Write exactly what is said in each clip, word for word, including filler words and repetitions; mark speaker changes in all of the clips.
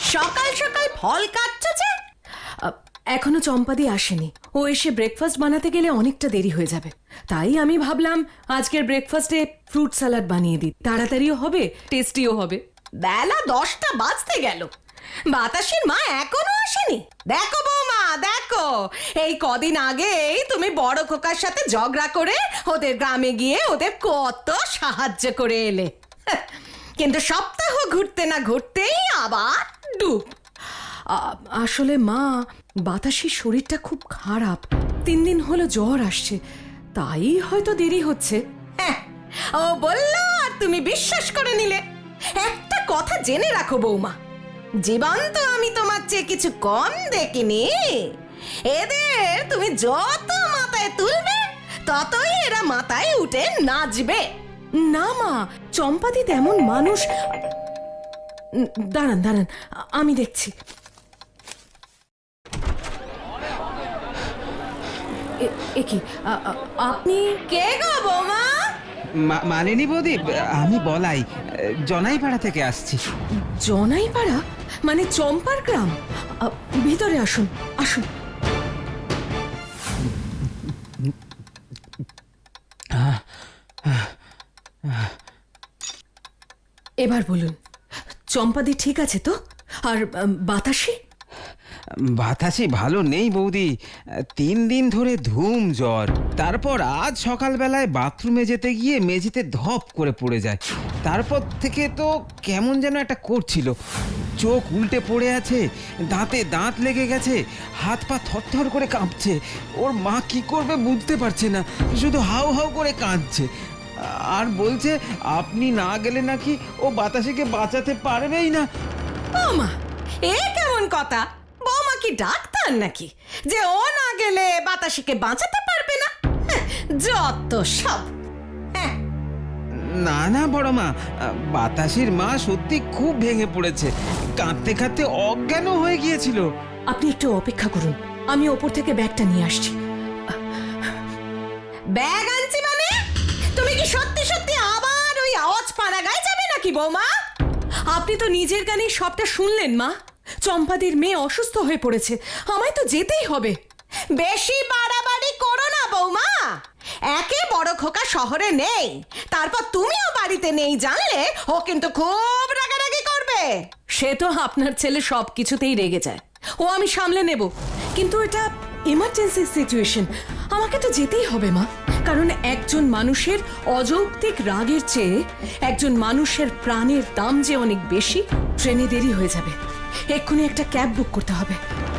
Speaker 1: সকাল সকাল ফল কাটছো যে?
Speaker 2: এখনো চম্পাদি আসেনি। ও এসে ব্রেকফাস্ট বানাতে গেলে অনেকটা দেরি হয়ে যাবে, তাই আমি ভাবলাম আজকের ব্রেকফাস্টে ফ্রুট স্যালাড বানিয়ে দিই, তাড়াতাড়িও হবে, টেস্টিও হবে।
Speaker 1: বেলা দশটা বাজতে গেল, বাতাসের মা এখনো আসেনি। দেখো বৌমা দেখো, এই কদিন আগেই তুমি বড় খোকার সাথে ঝগড়া করে ওদের গ্রামে গিয়ে ওদের কত সাহায্য করে এলে, কিন্তু সপ্তাহ ঘুরতে না ঘুরতেই আবার ডুব।
Speaker 2: আসলে মা, বাতাসের শরীরটা খুব খারাপ, তিন দিন হলো জ্বর আসছে, তাই হয়তো দেরি হচ্ছে।
Speaker 1: হ্যাঁ, ও বললো আর তুমি বিশ্বাস করে নিলে। একটা কথা জেনে রাখো বৌমা, জীবন তো আমি তোমার চেয়ে কিছু কম দেখিনি। এদের তুমি যত মাথায় তুলবে ততই এরা মাথায় উঠে নাচবে।
Speaker 2: না মা, চম্পাদি তেমন মানুষ। দাঁড়ান দাঁড়ান, আমি দেখছি। এ কি, আপনি?
Speaker 1: কে গো বৌমা?
Speaker 3: মালিনী বৌদি, আমি বলাই, জনাইপাড়া থেকে আসছি।
Speaker 2: জনাইপাড়া মানে চম্পার গ্রাম? ভিতরে আসুন আসুন। এবার বলুন, চম্পাদি ঠিক আছে তো? আর বাতাসি?
Speaker 3: বাতাসি ভালো নেই বৌদি, তিন দিন ধরে ধুম জ্বর। তারপর আজ সকালবেলায় বাথরুমে যেতে গিয়ে মেঝেতে ধপ করে পড়ে যায়। তারপর থেকে তো কেমন যেন একটা করছিল, চোখ উল্টে পড়ে আছে, দাঁতে দাঁত লেগে গেছে, হাত পা থরথর করে কাঁপছে। ওর মা কি করবে বুঝতে পারছে না, শুধু হাউ হাউ করে কাঁদছে। আর বলছে আপনি না গেলে নাকি ও বাতাসিকে বাঁচাতে পারবেই না।
Speaker 1: ও মা, এ কেমন কথা? বৌমা কি ডাক্তার নাকি যে ও না গেলে বাতাসিকে বাঁচাতে পারবে না? যত সব।
Speaker 3: না না বড় মা, বাতাসির মা সত্যি খুব ভেঙে পড়েছে, কাঁদতে কাঁদতে অজ্ঞান হয়ে গিয়েছিল।
Speaker 2: আপনি একটু অপেক্ষা করুন, আমি ওপর থেকে ব্যাগটা নিয়ে আসছি।
Speaker 1: ব্যাগ আনছি মানে? তুমি কি সত্যি সত্যি আবার ওই আওয়াজ পাড়া গায়ে যাবে নাকি বৌমা?
Speaker 2: আপনি তো নিজের কানেই সবটা শুনলেন মা। চম্পাদির মেয়ে অসুস্থ হয়ে পড়েছে, আমায় তো যেতেই হবে।
Speaker 1: বেশি বাড়াবাড়ি করো না বৌমা। একে বড় খোকা শহরে নেই, তারপর তুমিও বাড়িতে নেই জানলে ও কিন্তু খুব রাগারাগি করবে।
Speaker 2: সে তো আপনার ছেলে সব কিছুতেই রেগে যায়, ও আমি সামলে নেব, কিন্তু এটা ইমার্জেন্সি সিচুয়েশন, আমাকে তো যেতেই হবে মা। কারণ একজন মানুষের অযৌক্তিক রাগের চেয়ে একজন মানুষের প্রাণের দাম যে অনেক বেশি। ট্রেনে দেরি হয়ে যাবে, এক্ষুনি একটা ক্যাব বুক করতে হবে।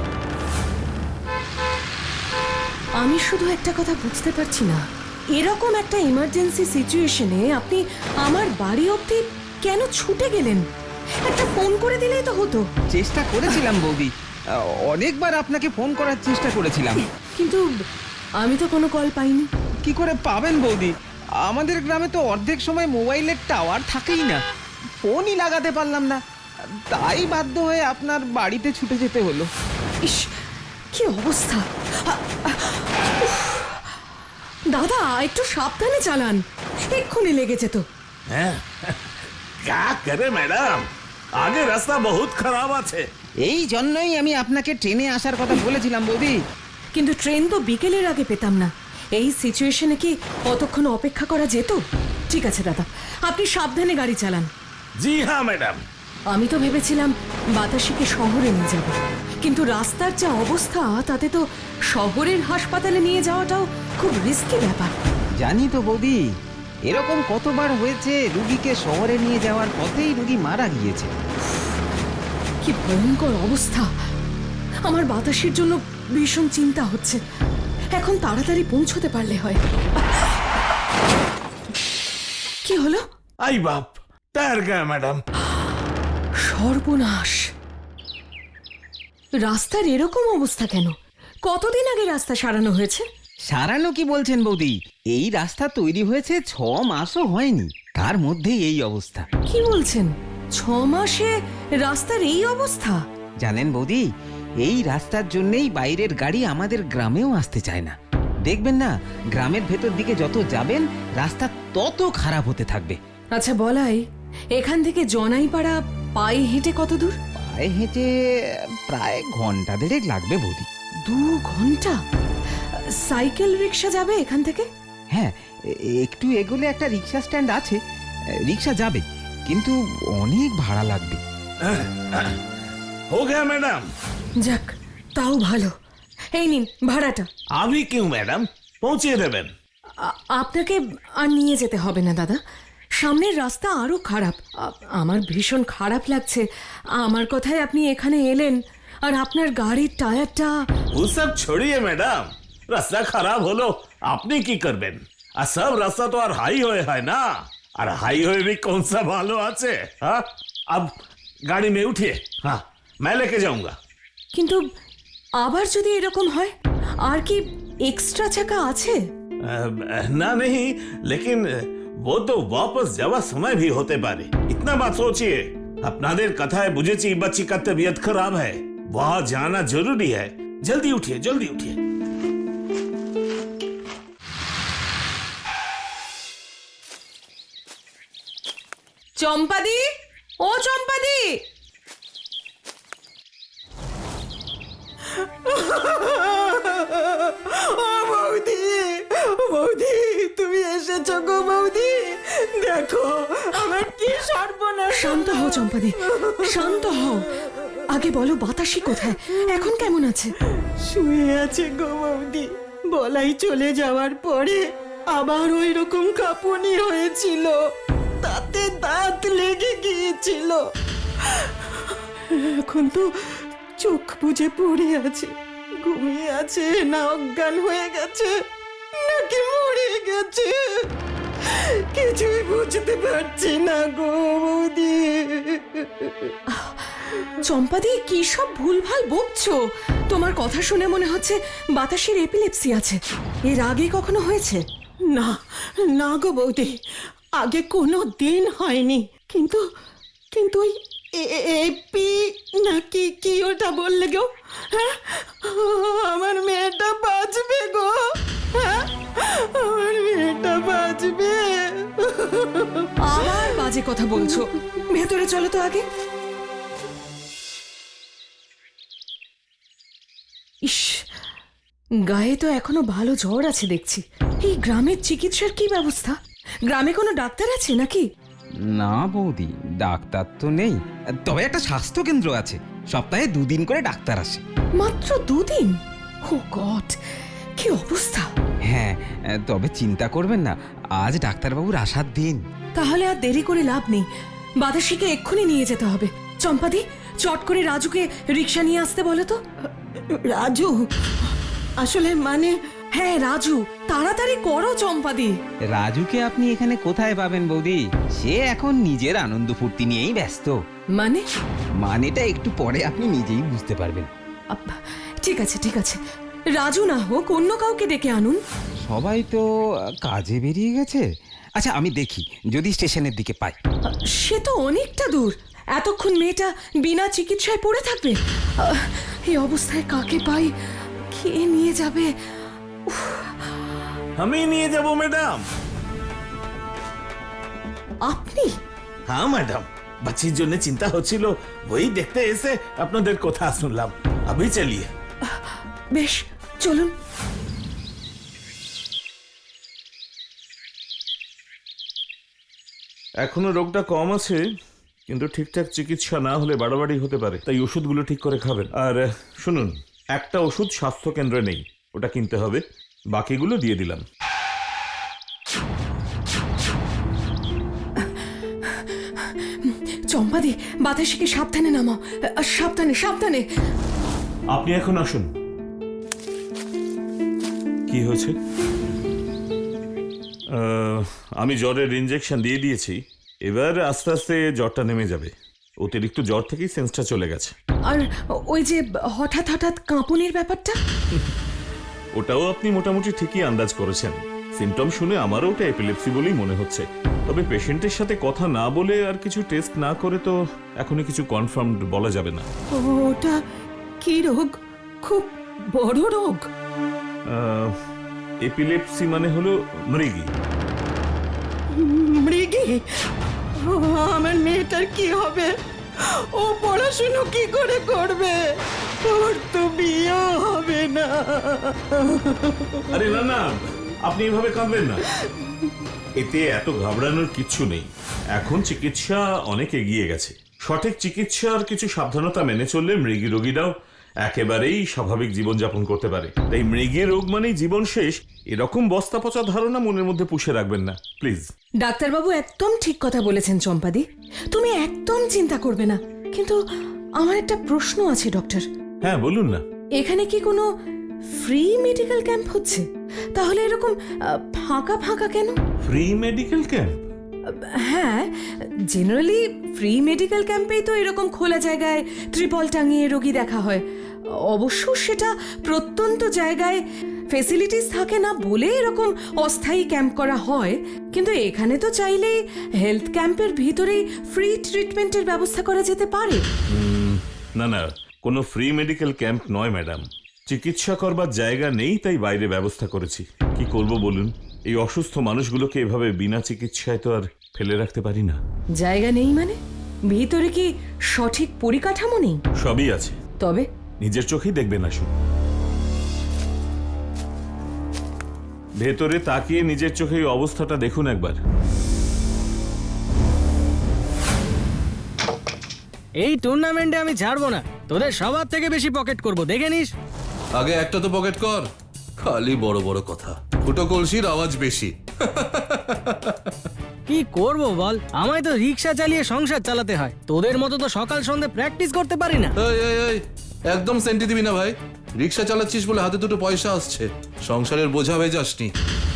Speaker 2: আমি শুধু একটা কথা বুঝতে পারছি না, এরকম একটা ইমার্জেন্সি সিচুয়েশনে আপনি আমার বাড়ি অবধি কেন ছুটে গেলেন? একটা ফোন করে দিলেই তো হতো।
Speaker 3: চেষ্টা করেছিলাম বৌদি, অনেকবার আপনাকে ফোন করার চেষ্টা করেছিলাম,
Speaker 2: কিন্তু আমি তো কোনো কল পাইনি।
Speaker 3: কি করে পাবেন বৌদি? আমাদের গ্রামে তো অর্ধেক সময় মোবাইলের টাওয়ার থাকেই না, ফোনই লাগাতে পারলাম না, তাই বাধ্য হয়ে আপনার বাড়িতে ছুটে যেতে হলো।
Speaker 2: ইস, কি অবস্থা! দাদা, একটু সাবধানে চালান, এক্ষুনি লেগে যেত।
Speaker 4: क्या करे मैडम, आगे रास्ता बहुत खराब আছে।
Speaker 3: এই জন্যই আমি আপনাকে ট্রেনে আসার কথা বলেছিলাম বৌদি।
Speaker 2: কিন্তু ট্রেন তো বিকেলের আগে পেতাম না, এই সিচুয়েশনে কি অতক্ষণ অপেক্ষা করা যেত? ঠিক আছে দাদা, আপনি সাবধানে গাড়ি চালান।
Speaker 4: জি হ্যাঁ ম্যাডাম।
Speaker 2: আমি তো ভেবেছিলাম বাতাসিকে শহরে নিয়ে যাব, কিন্তু রাস্তার যা অবস্থা তাতে তো শহরের হাসপাতালে নিয়ে যাওয়াটাও খুব রিস্কি ব্যাপার।
Speaker 3: জানি তো বৌদি, এরকম কতবার হয়েছে, রুগীকে শহরে নিয়ে যাওয়ার পথেই রুগী মারা গিয়েছে।
Speaker 2: কি ভয়ঙ্কর অবস্থা! আমার বাতাসের জন্য ভীষণ চিন্তা হচ্ছে, এখন তাড়াতাড়ি পৌঁছতে পারলে হয়। কি হলো?
Speaker 4: आई बाप, तैर गया मैडम।
Speaker 2: সর্বনাশ! রাস্তার এরকম অবস্থা কেন? কতদিন আগে রাস্তা সারানো হয়েছে?
Speaker 3: সারানো কি বলছেন বৌদি, এই রাস্তা তৈরি হয়েছে ছ মাসও হয়নি, তার মধ্যেই এই অবস্থা।
Speaker 2: কি বলছেন? ছ মাসে রাস্তার এই অবস্থা?
Speaker 3: জানেন বৌদি, এই রাস্তার জন্যই বাইরের গাড়ি আমাদের গ্রামেও আসতে চায় না। দেখবেন না, গ্রামের ভেতর দিকে যত যাবেন রাস্তা তত খারাপ হতে থাকবে।
Speaker 2: আচ্ছা বলাই, এখান থেকে জনাইপাড়া পায়ে হেঁটে কত দূর?
Speaker 3: পায়ে হেঁটে প্রায় ঘন্টা দেড়েক লাগবে বৌদি।
Speaker 2: দু ঘন্টা? সাইকেল রিক্সা যাবে এখান থেকে?
Speaker 3: হ্যাঁ, এ- একটু এগোলে একটা রিক্সা স্ট্যান্ড আছে, রিক্সা যাবে, কিন্তু অনেক ভাড়া লাগবে।
Speaker 4: हो गया मैडम?
Speaker 2: যাক, তাও ভালো। এই নিন ভাড়াটা।
Speaker 4: अभी क्यों मैडम, পৌঁছে দেবেন।
Speaker 2: আ- আপনাকে আর নিয়ে যেতে হবে না দাদা, সামনের রাস্তা আরো খারাপ। আ- আমার ভীষণ খারাপ লাগছে আমার কথায় আপনি এখানে এলেন, আর আপনার গাড়ির টায়ারটা।
Speaker 4: वो सब छोड़िए मैडम, রাস্তা খারাপ হলো আপনি কি করবেন? আর সব রাস্তা তো আর হাইওয়ে হয় না, আর হাইওয়ে भी कौन सा ভালো আছে? हाँ, अब गाड़ी में उठिए, हाँ मैं लेके जाऊंगा।
Speaker 2: কিন্তু আবার যদি এরকম হয়, আর কি এক্সট্রা চাকা আছে?
Speaker 4: अ, ना नहीं, लेकिन वो तो वापस যাওয়ার সময় भी होते পারে। इतना बात सोचिए, আপনাদের কথায় বুঝেছি बच्ची का तबीयत खराब है, वहाँ जाना जरूरी है। जल्दी उठिए, जल्दी उठिए।
Speaker 2: চম্পাদি, ও চম্পাদি!
Speaker 5: ও বৌদি, বৌদি তুমি এসেছো গো বৌদি, দেখো আমার কি সর্বনাশ।
Speaker 2: শান্ত হও চম্পাদি, শান্ত হও। আগে বলো বাতাসি কোথায়, এখন কেমন আছে?
Speaker 5: শুয়ে আছে গো বৌদি, বলাই চলে যাওয়ার পরে আবার ওই রকম কাঁপুনি হয়েছিল, তাতে দাঁত লেগে গিয়েছিল। এখন তো চোখ বুজে পড়ে আছে, ঘুমিয়ে আছে না অজ্ঞান হয়ে গেছে নাকি মরে গেছে, কিছুই বুঝতে পারছি না গো বৌদি।
Speaker 2: চম্পাদি, কি সব ভুলভাল বকছো? তোমার কথা শুনে মনে হচ্ছে বাতাসের এপিলেপসি আছে। এর আগে কখনো হয়েছে?
Speaker 5: না না গো বৌদি, আগে কোনো দিন হয়নি, কিন্তু কিন্তু ওই এ- এ- এপি নাকি কি ওটা বললে গো? হ্যাঁ, আমার মেয়েটা বাঁচবে গো, হ্যাঁ আমার মেয়েটা বাঁচবে।
Speaker 2: আবার বাজে কথা বলছো, ভেতরে চলো তো আগে। ইস, গায়ে তো এখনো ভালো জ্বর আছে দেখছি। এই গ্রামের চিকিৎসার কি ব্যবস্থা? গ্রামে কোনো ডাক্তার আছে নাকি?
Speaker 3: না বৌদি, ডাক্তার তো নেই, তবে একটা স্বাস্থ্য কেন্দ্র আছে, সপ্তাহে দুদিন করে ডাক্তার আসে।
Speaker 2: মাত্র দুদিন? ও গড, কি অবস্থা!
Speaker 3: হ্যাঁ, তবে চিন্তা করবেন না, আজ ডাক্তারবাবুর আসার দিন।
Speaker 2: তাহলে আর দেরি করে লাভ নেই, বাতাসিকে এক্ষুনি নিয়ে যেতে হবে। চম্পাদি, চট করে রাজুকে রিক্সা নিয়ে আসতে বলো তো।
Speaker 5: রাজু? আসলে মানে
Speaker 2: হ্যাঁ রাজু, তাড়াতাড়ি করো চম্পাদি।
Speaker 3: রাজুকে আপনি এখানে কোথায় পাবেন বৌদি? সে এখন নিজের আনন্দ ফুর্তি নিয়েই ব্যস্ত।
Speaker 2: মানে?
Speaker 3: মানেটা একটু পরে আপনি নিজেই বুঝতে পারবেন।
Speaker 2: আব্বা, ঠিক আছে ঠিক আছে, রাজু না হোক অন্য কাউকে ডেকে আনুন।
Speaker 3: সবাই তো কাজে বেরিয়ে গেছে। আচ্ছা, আমি দেখি যদি স্টেশনের দিকে পাই।
Speaker 2: সে তো অনেকটা দূর, এতক্ষণ মেয়েটা বিনা চিকিৎসায় পড়ে থাকবে। আহ, এই অবস্থায় কাকে পাই, কে নিয়ে যাবে?
Speaker 4: আমি নিয়ে যাব ম্যাডাম।
Speaker 2: আপনি?
Speaker 4: হ্যাঁ ম্যাডাম, বাচ্চির জন্য চিন্তা হচ্ছিল, ওই দেখতে এসে আপনাদের কথা শুনলাম। अभी चलिए।
Speaker 2: বেশ, চলুন।
Speaker 4: এখনো রোগটা কম আছে, কিন্তু ঠিকঠাক চিকিৎসা না হলে বাড়াবাড়ি হতে পারে, তাই ওষুধগুলো ঠিক করে খাবেন। আর আহ, শুনুন, একটা ওষুধ স্বাস্থ্য কেন্দ্রে নেই, ওটা কিনতে হবে, বাকিগুলো দিয়ে দিলাম।
Speaker 2: চম্পাদি, বাতাসিকে সাবধানে নামাও। আহ, সাবধানে সাবধানে।
Speaker 4: আপনি এখন আসুন। কি হয়েছে? আহ, আমি জ্বরের ইনজেকশন দিয়ে দিয়েছি, এবার আস্তে আস্তে জ্বরটা নেমে যাবে। অতিরিক্ত জ্বর থেকেই সেন্সটা চলে গেছে।
Speaker 2: আর ওই যে হঠাৎ হঠাৎ কাঁপুনির ব্যাপারটা?
Speaker 4: ওটাও আপনি মোটামুটি ঠিকই আন্দাজ করেছেন। সিমটম শুনে আমারও ওটা এপিলেপসি বলেই মনে হচ্ছে, তবে পেশেন্টের সাথে কথা না বলে আর কিছু টেস্ট না করে তো এখনই কিছু কনফার্ম বলা যাবে না।
Speaker 5: ওটা কি রোগ? খুব বড় রোগ?
Speaker 4: এপিলেপসি মানে হলো মৃগী।
Speaker 5: মৃগী? ও, আমার মেয়েটার কি হবে? ও পড়াশুনো কি করে করবে? ওর তো বিয়ে হবে না।
Speaker 4: আরে না না, আপনি এভাবে কাঁদবেন না। এতে এত ঘাবড়ানোর কিচ্ছু নেই। এখন চিকিৎসা অনেক এগিয়ে গেছে। সঠিক চিকিৎসার কিছু সাবধানতা মেনে চললে মৃগী রোগীরাও একেবারেই স্বাভাবিক জীবনযাপন করতে পারে। তাই মৃগী রোগ মানেই জীবন শেষ, এরকম বস্তা পচা ধারণা মনের মধ্যে পুষে রাখবেন না প্লিজ।
Speaker 2: ডাক্তারবাবু একদম ঠিক কথা বলেছেন চম্পাদি, তুমি একদম চিন্তা করবে না। কিন্তু আমার একটা প্রশ্ন আছে ডক্টর,
Speaker 4: হ্যাঁ বলুন না।
Speaker 2: এখানে কি কোনো ফ্রি মেডিকেল ক্যাম্প হচ্ছে? তাহলে এরকম আহ, ফাঁকা ফাঁকা কেন?
Speaker 4: Free medical camp?
Speaker 2: হ্যাঁ, জেনারেলি ফ্রি মেডিকেল ক্যাম্পেই তো এরকম খোলা জায়গায় ত্রিপল টাঙিয়ে রোগী দেখা হয়। অবশ্য সেটা প্রত্যন্ত জায়গায় ফেসিলিটিস থাকে না বলে এরকম অস্থায়ী ক্যাম্প করা হয়। কিন্তু এখানে তো চাইলেই হেলথ ক্যাম্পের ভিতরেই ফ্রি ট্রিটমেন্টের ব্যবস্থা করা যেতে পারে।
Speaker 4: না না, কোনো ফ্রি মেডিকেল ক্যাম্প নয় ম্যাডাম। চিকিৎসা করবার জায়গা নেই, তাই বাইরে ব্যবস্থা করেছি। কি করব বলুন, এই অসুস্থ মানুষগুলোকে এভাবে বিনা চিকিৎসায় তো আর ফেলে রাখতে পারি না।
Speaker 2: জায়গা নেই মানে? ভিতরে কি সঠিক পরিকাঠামো নেই?
Speaker 4: সবই আছে,
Speaker 2: তবে
Speaker 4: নিজের চোখেই দেখবেন। আসুন, ভেতরে তাকিয়ে নিজের চোখে এই অবস্থাটা দেখুন একবার।
Speaker 6: এই টুর্নামেন্টে আমি ছাড়বো না, তোদের সবার থেকে বেশি পকেট করব, দেখে নিস।
Speaker 7: আগে একটা তো পকেট কর, খালি বড় বড় কথা। ফুটো কলসির আওয়াজ বেশি।
Speaker 6: কি করব বল, আমায় তো রিক্সা চালিয়ে সংসার চালাতে হয়, তোদের মতো তো সকাল সন্ধ্যে প্র্যাকটিস করতে পারি না।
Speaker 7: এই এই এই একদম সেন্টি দিবি না ভাই। রিক্সা চালাচ্ছিস বলে হাতে দুটো পয়সা আসছে, সংসারের বোঝা হয়ে যাসনি।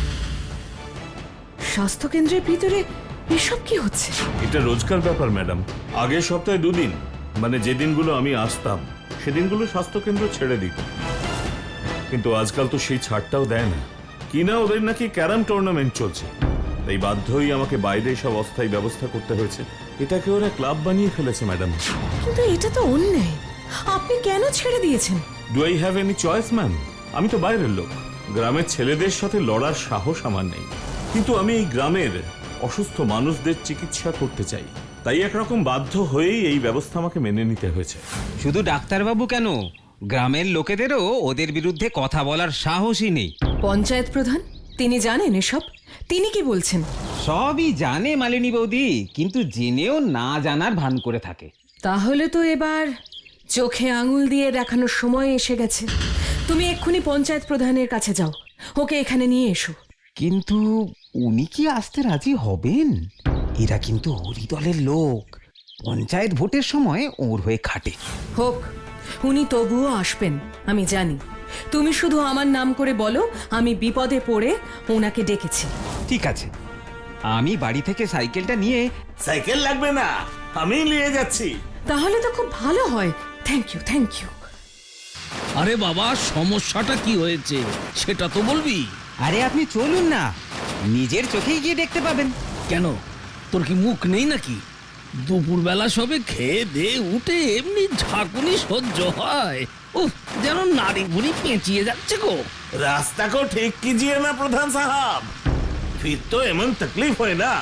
Speaker 2: স্বাস্থ্য কেন্দ্রের ভিতরে এসব কি হচ্ছে?
Speaker 4: এটা রোজকার ব্যাপার ম্যাডাম। আগের সপ্তাহে দুদিন, মানে যে দিনগুলো আমি আসতাম সেদিনগুলো স্বাস্থ্যকেন্দ্র ছেড়ে দিত। কিন্তু আজকাল তো সেই ছাড়টাও দেয় না। কি না, ওদের নাকি ক্যারাম টুর্নামেন্ট চলছে, তাই বাধ্যই আমাকে বাইরে সব অস্থায়ী ব্যবস্থা করতে হয়েছে। এটাকে ওরা ক্লাব বানিয়ে ফেলেছে ম্যাডাম।
Speaker 2: কিন্তু এটা তো অন্যায়, আপনি কেন ছেড়ে দিয়েছেন?
Speaker 4: Do I have any choice ma'am? আমি তো বাইরের লোক, গ্রামের ছেলেদের সাথে লড়ার সাহস আমার নেই। কিন্তু আমি এই গ্রামের অসুস্থ মানুষদের চিকিৎসা করতে চাই, তাই একরকম বাধ্য হয়েই এই ব্যবস্থা আমাকে মেনে নিতে হয়েছে।
Speaker 3: শুধু ডাক্তারবাবু কেন, গ্রামের লোকেদেরও ওদের বিরুদ্ধে কথা বলার সাহসই নেই।
Speaker 2: পঞ্চায়েত প্রধান তিনি জানেন এসব? তিনি কি বলছেন?
Speaker 3: সবই জানে মালিনী বৌদি, কিন্তু জেনেও না জানার ভান করে থাকে।
Speaker 2: তাহলে তো এবার চোখে আঙুল দিয়ে দেখানোর সময় এসে গেছে। তুমি এক্ষুনি পঞ্চায়েত প্রধানের কাছে যাও, ওকে এখানে নিয়ে এসো।
Speaker 3: কিন্তু উনি কি আসতে রাজি হবেন? এরা কিন্তু হরি দলের লোক, পঞ্চায়েত ভোটের সময় ওর হয়ে খাটে।
Speaker 2: হোক, উনি তবুও আসবেন, আমি জানি। তুমি শুধু আমার নাম করে বলো আমি বিপদে পড়ে ওনাকে ডেকেছি।
Speaker 3: ঠিক আছে, আমি বাড়ি থেকে সাইকেলটা নিয়ে।
Speaker 4: সাইকেল লাগবে না, আমি নিয়ে যাচ্ছি।
Speaker 2: তাহলে তো খুব ভালো হয়। Thank you, thank you.
Speaker 8: আরে বাবা, সমস্যাটা কি হয়েছে সেটা তো বলবি।
Speaker 3: আরে আপনি চলুন না, নিজের চোখেই গিয়ে দেখতে পাবেন।
Speaker 8: কেন, তোর কি মুখ নেই নাকি? দুপুরবেলা সবে খেয়ে দে উঠে এমনি ঝাঁকুনি সহ্য হয়? উফ, যেন নাড়ি ভুড়ি পেঁচিয়ে যাচ্ছে গো।
Speaker 4: रास्ता को ठीक कीजिए ना प्रधान साहब, फिर तो एमन तकलीफ है ना।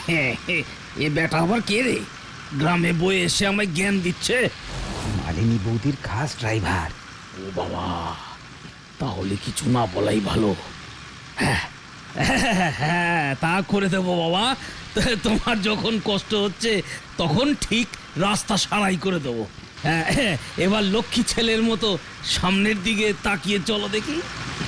Speaker 8: এ বেটা আবার কে রে, গ্রামে বয়ে এসে আমায় জ্ঞান দিচ্ছে?
Speaker 3: মালিনী বৌদির খাস ড্রাইভার।
Speaker 8: ও বাবা, তাহলে কিছু না বলাই ভালো। হ্যাঁ হ্যাঁ, তা করে দেবো বাবা। তোমার যখন কষ্ট হচ্ছে তখন ঠিক রাস্তা সারাই করে দেবো। হ্যাঁ, এবার লক্ষ্মী ছেলের মতো সামনের দিকে তাকিয়ে চলো দেখি।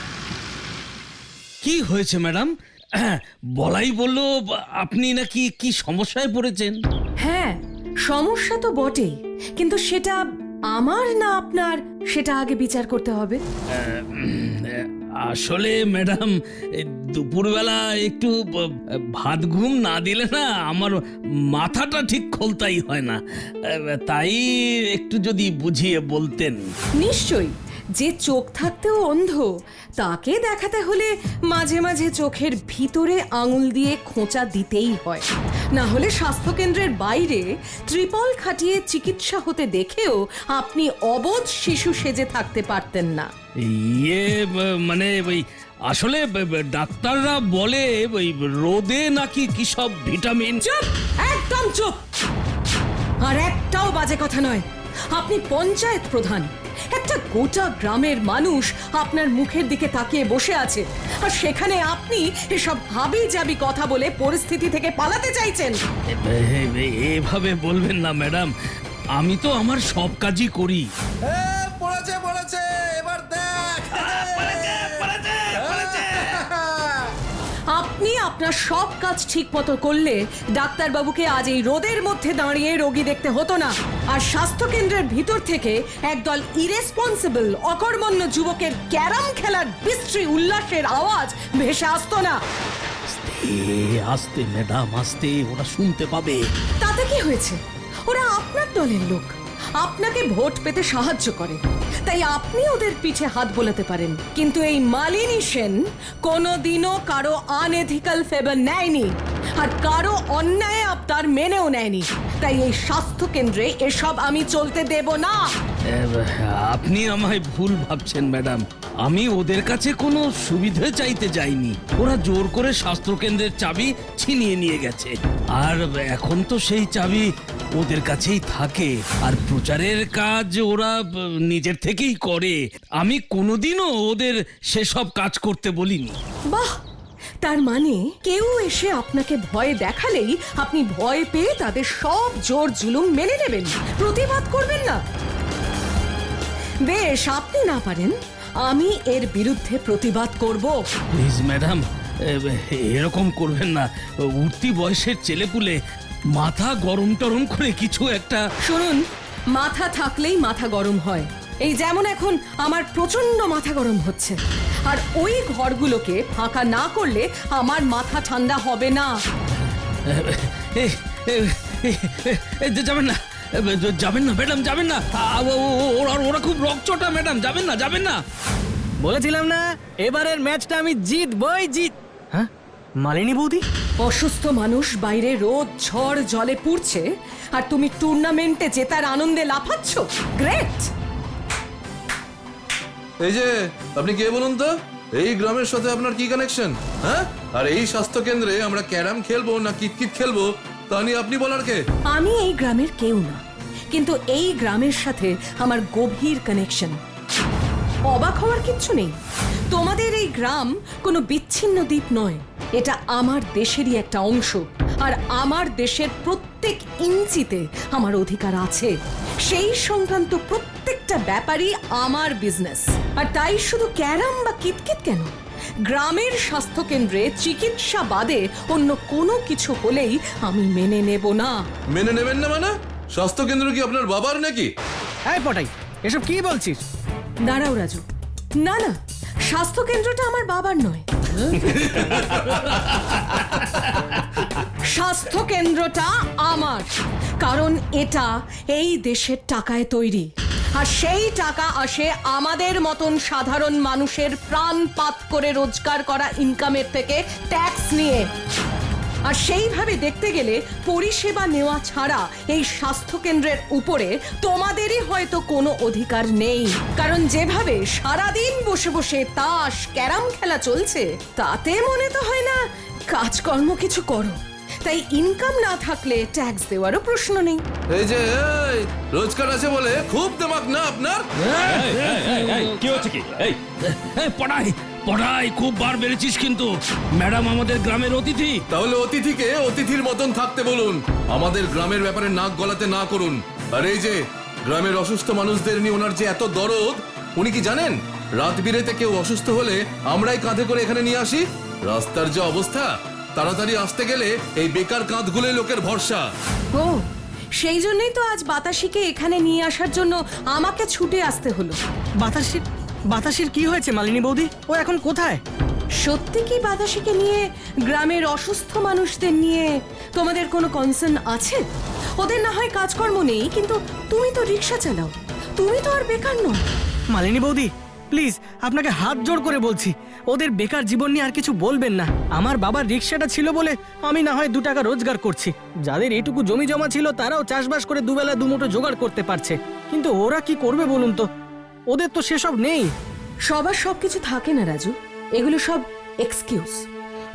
Speaker 8: কি হয়েছে ম্যাডাম? বলাই বললো আপনি নাকি কি সমস্যায় পড়েছেন।
Speaker 2: হ্যাঁ, সমস্যা তো বটেই, কিন্তু সেটা আমার না আপনার, সেটা আগে বিচার করতে হবে।
Speaker 8: আসলে ম্যাডাম, দুপুরবেলা একটু ভাত ঘুম না দিলে না আমার মাথাটা ঠিক খোলতাই হয় না, তাই একটু যদি বুঝিয়ে বলতেন।
Speaker 2: নিশ্চয়ই, যে চোখ থাকতেও অন্ধ তাকে দেখাতে হলে মাঝে মাঝে চোখের ভিতরে আঙুল দিয়ে খোঁচা দিতেই হয়। না হলে স্বাস্থ্যকেন্দ্রের বাইরে ত্রিপল খাটিয়ে চিকিৎসা হতে দেখেও আপনি অবোধ শিশু সেজে থাকতে পারতেন না।
Speaker 8: ইয়ে মানে ওই আসলে ডাক্তাররা বলে ওই রোদে নাকি কি সব ভিটামিন।
Speaker 2: চুপ, একদম চুপ। আর একটাও বাজে কথা নয়। আপনি পঞ্চায়েত প্রধান, একটা গোটা গ্রামের মানুষ আপনার মুখের দিকে তাকিয়ে বসে আছে, আর সেখানে আপনি এসব হাবি জাবি কথা বলে পরিস্থিতি থেকে পালাতে চাইছেন।
Speaker 8: এ- এ- এভাবে বলবেন না ম্যাডাম, আমি তো আমার সব কাজই করি।
Speaker 7: পড়েছে পড়েছে এবার দেখ
Speaker 2: আপনি আপনার সব কাজ ঠিক মতো করলে ডাক্তারবাবুকে আজ এই রোদের মধ্যে দাঁড়িয়ে রোগী দেখতে হতো না, আর স্বাস্থ্য কেন্দ্রের ভিতর থেকে একদল ইরেসপন্সিবল অকর্মণ্য যুবকের ক্যারাম খেলার বিশ্রী উল্লাসের আওয়াজ ভেসে আসতো না।
Speaker 8: আস্তে আস্তে ম্যাডাম, আস্তে, ওরা শুনতে পাবে।
Speaker 2: তাতে কি হয়েছে? ওরা আপনার দলের লোক, আপনাকে ভোট পেতে সাহায্য করে, তাই আপনি ওদের পিঠে হাত বোলাতে পারেন। কিন্তু এই মালিনী সেন কোনোদিনও কারো আনএথিক্যাল ফেভার নেয়নি, আর কারো অন্যায় আবদার মেনেও নেয়নি। তাই এই স্বাস্থ্য কেন্দ্রে এসব আমি চলতে দেব না।
Speaker 8: এ, আপনি আমায় ভুল ভাবছেন ম্যাডাম, আমি ওদের কাছে কোনো সুবিধা চাইতে যাইনি। ওরা জোর করে স্বাস্থ্য কেন্দ্রের চাবি ছিনিয়ে নিয়ে গেছে, আর এখন তো সেই চাবি ওদের কাছেই থাকে, আর প্রচারের কাজ ওরা ব, নিজের থেকেই করে। আমি কোনোদিনও ওদের সেসব কাজ করতে বলিনি।
Speaker 2: বাহ, তার মানে কেউ এসে আপনাকে ভয় দেখালেই আপনি ভয় পেয়ে তাদের সব জোর জুলুম মেনে নেবেন, প্রতিবাদ করবেন না। বেশ, আপনি না পারেন, আমি এর বিরুদ্ধে প্রতিবাদ করব।
Speaker 8: প্লিজ ম্যাডাম, এ, এরকম করবেন না। উঠতি বয়সের ছেলেপুলে মাথা গরম টরম করে কিছু একটা।
Speaker 2: শুনুন, মাথা থাকলেই মাথা গরম হয়। এই যেমন এখন আমার প্রচন্ড মাথা গরম হচ্ছে, আর ওই ঘরগুলোকে ফাঁকা না করলে আমার মাথা ঠান্ডা হবে না।
Speaker 8: এ, এ, এ, এ, যাবেন না, এ, যাবেন না ম্যাডাম, যাবেন না। আ, ও, ও, ওরা ওরা খুব রকচটা ম্যাডাম, যাবেন না, যাবেন না।
Speaker 6: বলেছিলাম না এবারের ম্যাচটা আমি জিতবই জিত। হ্যাঁ, মালিনী বৌদি?
Speaker 2: অসুস্থ মানুষ বাইরে রোদ ঝড় জলে পুড়ছে, আর তুমি টুর্নামেন্টে জেতার আনন্দে লাফাচ্ছ। গ্রেট!
Speaker 7: এই যে আপনি কে বলুন তো? এই গ্রামের সাথে আপনার কি কানেকশন? হ্যাঁ, আর এই স্বাস্থ্য কেন্দ্রে আমরা ক্যারাম খেলবো না কিতকিত খেলবো তা নিয়ে আপনি বলার কে?
Speaker 2: আমি এই গ্রামের কেউ না, কিন্তু এই গ্রামের সাথে আমার গভীর কানেকশন। অবাক হওয়ার কিচ্ছু নেই, তোমাদের এই গ্রাম কোনো বিচ্ছিন্ন দ্বীপ নয়, এটা আমার দেশেরই একটা অংশ, আর আমার দেশের প্রত্যেক ইঞ্চিতে আমার অধিকার আছে। সেই সংক্রান্ত প্রত্যেকটা ব্যাপারই আমার বিজনেস। আর তাই শুধু ক্যারাম বা কিতকিত কেন, গ্রামের স্বাস্থ্য কেন্দ্রে চিকিৎসা বাদে অন্য কোনো কিছু হলেই আমি মেনে নেব না।
Speaker 7: মেনে নেবেন না মানে? স্বাস্থ্য কেন্দ্র কি আপনার বাবার নাকি?
Speaker 6: এই পটাই, এসব কি বলছিস?
Speaker 2: দাঁড়াও রাজু, না না, স্বাস্থ্য কেন্দ্রটা আমার বাবার নয়। স্বাস্থ্য কেন্দ্রটা আমার, কারণ এটা এই দেশের টাকায় তৈরি, আর সেই টাকা আসে আমাদের মতন সাধারণ মানুষের প্রাণপাত করে রোজগার করা ইনকামের থেকে ট্যাক্স নিয়ে। আর সেইভাবে দেখতে গেলে পরিষেবা নেওয়া ছাড়া এই স্বাস্থ্য কেন্দ্রের উপরে তোমাদেরই হয়তো কোনো অধিকার নেই, কারণ যেভাবে সারাদিন বসে বসে তাস ক্যারাম খেলা চলছে, তাতে মনে তো হয় না কাজকর্ম কিছু করো। তাই ইনকাম না থাকলে ট্যাক্স দেওয়ারও প্রশ্ন নেই।
Speaker 7: এই যে এই, রোজগার আছে বলে খুব দেমাক না আপনার?
Speaker 8: কি হচ্ছে কি? এই এই, পড়াই পড়াই খুব বার বেড়েছিস কিন্তু। ম্যাডাম আমাদের গ্রামের অতিথি।
Speaker 7: তাহলে অতিথিকে অতিথির মতন থাকতে বলুন, আমাদের গ্রামের ব্যাপারে নাক গলাতে না করুন। আর এই যে গ্রামের অসুস্থ মানুষদের নিয়ে ওনার যে এত দরদ, উনি কি জানেন রাত বিরেতে কেউ অসুস্থ হলে আমরাই কাঁধে করে এখানে নিয়ে আসি? রাস্তার যে অবস্থা, তাড়াতাড়ি আসতে গেলে এই বেকার কাঁধগুলোই লোকের ভরসা।
Speaker 2: ও, সেই জন্যই তো আজ বাতাসিকে এখানে নিয়ে আসার জন্য আমাকে ছুটে আসতে হলো।
Speaker 6: বাতাসির বাতাসির কি হয়েছে মালিনী বৌদি? ও এখন কোথায়?
Speaker 2: সত্যি কি বাতাসিকে নিয়ে গ্রামের অসুস্থ মানুষদের নিয়ে তোমাদের কোনো কনসার্ন আছে? ওদের না হয় কাজকর্ম নেই, কিন্তু তুমি তো রিক্সা চালাও, তুমি তো আর বেকার নও।
Speaker 6: মালিনী বৌদি, প্লিজ আপনাকে হাত জোড় করে বলছি, ওদের বেকার জীবন নিয়ে আর কিছু বলবেন না। আমার বাবার রিক্সাটা ছিল বলে আমি না হয় দু টাকা রোজগার করছি। যাদের এইটুকু জমি জমা ছিল তারাও চাষবাস করে দুবেলা দুমুঠো জোগাড় করতে পারছে, কিন্তু ওরা কি করবে বলুন তো? ওদের তো সেসব নেই।
Speaker 2: সবার সবকিছু থাকে না রাজু, এগুলো সব এক্সকিউজ।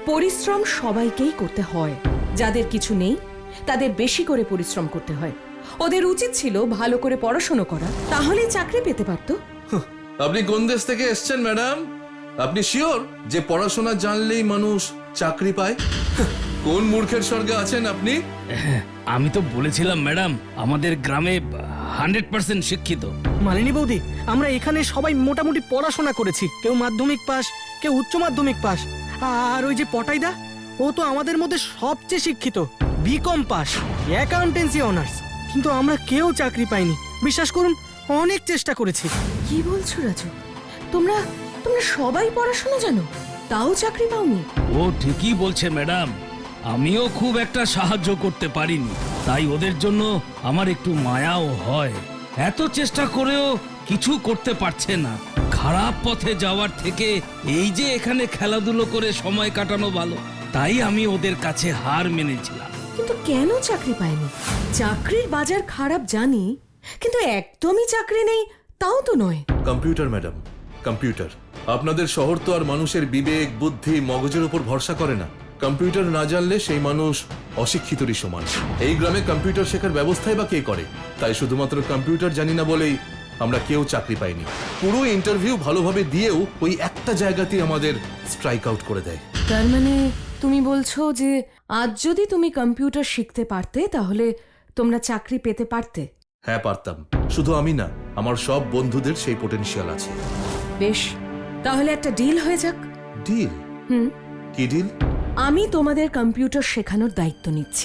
Speaker 2: পরিশ্রম সবাইকেই করতে হয়, যাদের কিছু নেই তাদের বেশি করে পরিশ্রম করতে হয়। ওদের উচিত ছিল ভালো করে পড়াশোনা করা, তাহলেই চাকরি পেতে পারতো।
Speaker 7: আপনি কোন দেশ থেকে এসেছেন ম্যাডাম? আপনি শিওর যে পড়াশোনা জানলেই মানুষ চাকরি পায়? কোন মূর্খের স্বর্গে আছেন আপনি?
Speaker 8: আমি তো বলেছিলাম ম্যাডাম, আমাদের গ্রামে হান্ড্রেড পার্সেন্ট শিক্ষিত।
Speaker 6: মালিনী বৌদি, আমরা এখানে সবাই মোটামুটি পড়াশোনা করেছি, কেউ মাধ্যমিক পাস, কেউ উচ্চ মাধ্যমিক পাস। আর ওই যে পটাইদা, ও তো আমাদের মধ্যে সবচেয়ে শিক্ষিত, বিকম পাস, অ্যাকাউন্টেন্সি অনার্স। কিন্তু আমরা কেউ চাকরি পাইনি, বিশ্বাস করুন, অনেক চেষ্টা করেছি।
Speaker 2: কি বলছো রাজু? তোমরা তোমরা সবাই পড়াশোনা জানো, তাও চাকরি পাওনি?
Speaker 8: ও ঠিকই বলছে ম্যাডাম, আমিও খুব একটা সাহায্য করতে পারিনি, তাই ওদের জন্য আমার একটু মায়াও হয়। এত চেষ্টা করেও কিছু করতে পারছে না। খারাপ পথে যাওয়ার থেকে এই যে এখানে খেলাধুলো করে সময় কাটানো ভালো, তাই আমি ওদের কাছে হার মেনেছিলাম।
Speaker 2: কিন্তু কেন চাকরি পায়নি? চাকরির বাজার খারাপ জানি, কিন্তু একদমই চাকরি নেই তাও তো নয়।
Speaker 7: Computer madam, computer. আপনাদের শহর তো আর মানুষের বিবেক, বুদ্ধি, মগজের উপর ভরসা করে না। কম্পিউটার না জানলে সেই মানুষ অশিক্ষিতরই সমান। এই গ্রামে কম্পিউটার শেখার ব্যবস্থাই বা কে করে? তাই শুধুমাত্র কম্পিউটার জানি না বলেই আমরা কেউ চাকরি পাইনি। পুরো ইন্টারভিউ ভালোভাবে দিয়েও ওই একটা জায়গাতেই আমাদের স্ট্রাইক আউট করে দেয়।
Speaker 2: তার মানে তুমি বলছো যে আজ যদি তুমি কম্পিউটার শিখতে পারতে তাহলে তোমরা চাকরি পেতে পারতে?
Speaker 7: হ্যাঁ, পারতাম। শুধু আমি না, আমার সব বন্ধুদের সেই পোটেনশিয়াল আছে।
Speaker 2: বেশ, তাহলে একটা ডিল হয়ে যাক।
Speaker 7: ডিল?
Speaker 2: হুম,
Speaker 7: কি ডিল?
Speaker 2: আমি তোমাদের কম্পিউটার শেখানোর দায়িত্ব নিচ্ছি,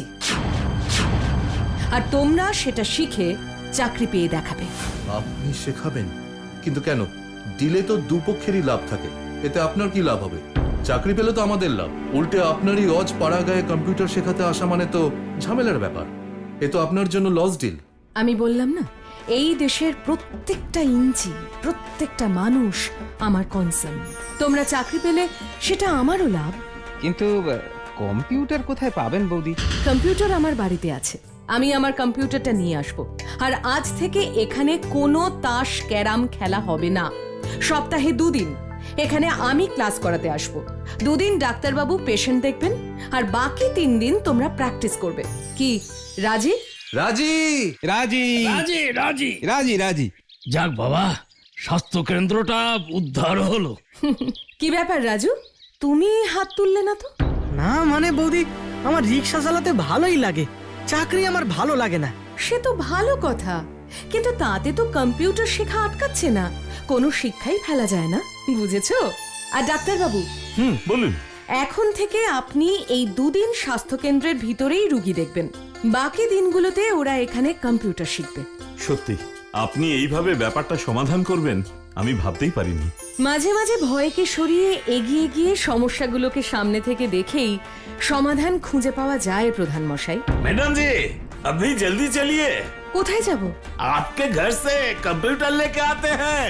Speaker 2: আর তোমরা সেটা শিখে চাকরি পেয়ে দেখাবে।
Speaker 7: আপনি শেখাবেন? কিন্তু কেন? ডিলে তো দুপক্ষেরই লাভ থাকে, এতে আপনার কি লাভ হবে? চাকরি পেলে তো আমাদের লাভ। উল্টে আপনারই অজ পাড়া গায়ে কম্পিউটার শেখাতে আসা মানে তো ঝামেলার ব্যাপার। এ তো আপনার জন্য লস ডিল।
Speaker 2: আমি বললাম না, এই দেশের প্রত্যেকটা ইঞ্চি, প্রত্যেকটা মানুষ আমার কনসার্ন। তোমরা চাকরি পেলে সেটা আমারও লাভ।
Speaker 3: কিন্তু আহ, কম্পিউটার কোথায় পাবেন বৌদি?
Speaker 2: কম্পিউটার আমার বাড়িতে আছে, আমি আমার কম্পিউটারটা নিয়ে আসব। আর আজ থেকে এখানে কোনো তাস ক্যারাম খেলা হবে না। সপ্তাহে দুদিন এখানে আমি ক্লাস করাতে আসব। দুদিন ডাক্তারবাবু পেশেন্ট দেখবেন, আর বাকি তিন দিন তোমরা প্র্যাকটিস করবে। কি রাজি?
Speaker 7: রাজি।
Speaker 3: রাজি
Speaker 8: রাজি রাজি
Speaker 3: রাজি রাজি
Speaker 8: যাক বাবা, স্বাস্থ্য কেন্দ্রটা উদ্ধার হলো।
Speaker 2: কি ব্যাপার রাজু, তুমি হাত তুললে না তো?
Speaker 6: না মানে বৌদি, আমার রিক্সা চালাতে ভালোই লাগে, চাকরি আমার ভালো লাগে না।
Speaker 2: সে তো ভালো কথা, কিন্তু তাতে তো কম্পিউটার শেখা আটকাচ্ছে না, কোনো শিক্ষাই ফেলা যায় না, বুঝেছো? আর ডাক্তারবাবু,
Speaker 4: হুম, বলুন।
Speaker 2: এখন থেকে আপনি এই দুদিন স্বাস্থ্যকেন্দ্রের ভিতরেই রুগী দেখবেন, বাকি দিনগুলোতে ওরা এখানে কম্পিউটার শিখবে।
Speaker 9: সত্যি আপনি এইভাবে ব্যাপারটা সমাধান করবেন আমি ভাবতেই পারিনি।
Speaker 2: মাঝে মাঝে ভয়কে সরিয়ে এগিয়ে গিয়ে সমস্যাগুলোকে সামনে থেকে দেখেই সমাধান খুঁজে পাওয়া যায় প্রধান মশাই।
Speaker 4: मैडम जी अभी जल्दी चलिए,
Speaker 2: কোথায় যাব?
Speaker 4: आपके घर से कंप्यूटर लेके आते हैं।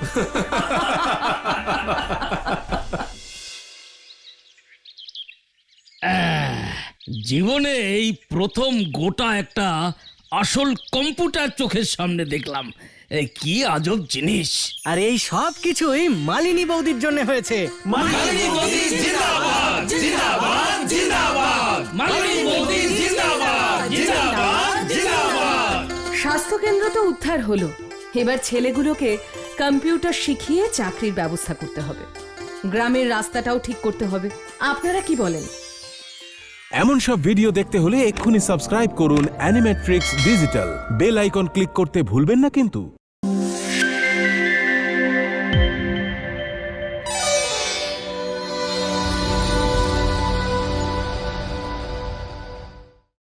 Speaker 8: জীবনে এই প্রথম গোটা একটা আসল কম্পিউটার চোখের সামনে দেখলাম। এ কি আজব জিনিস!
Speaker 6: আর এই সব কিছুই মালিনী বৌদির জন্য হয়েছে।
Speaker 8: মালিনী বৌদি জিন্দাবাদ জিন্দাবাদ জিন্দাবাদ মালিনী বৌদি জিন্দাবাদ জিন্দাবাদ জিন্দাবাদ।
Speaker 2: স্বাস্থ্যকেন্দ্র তো উদ্ধার হলো, এবার ছেলেগুলোকে কম্পিউটার শিখিয়ে চাকরির ব্যবস্থা করতে হবে, গ্রামের রাস্তাটাও ঠিক করতে হবে। আপনারা কি বলেন?
Speaker 10: এমন সব ভিডিও দেখতে হলে এক্ষুনি সাবস্ক্রাইব করুন Animetrix digital. Bell icon click করতে ভুলবেন না কিন্তু।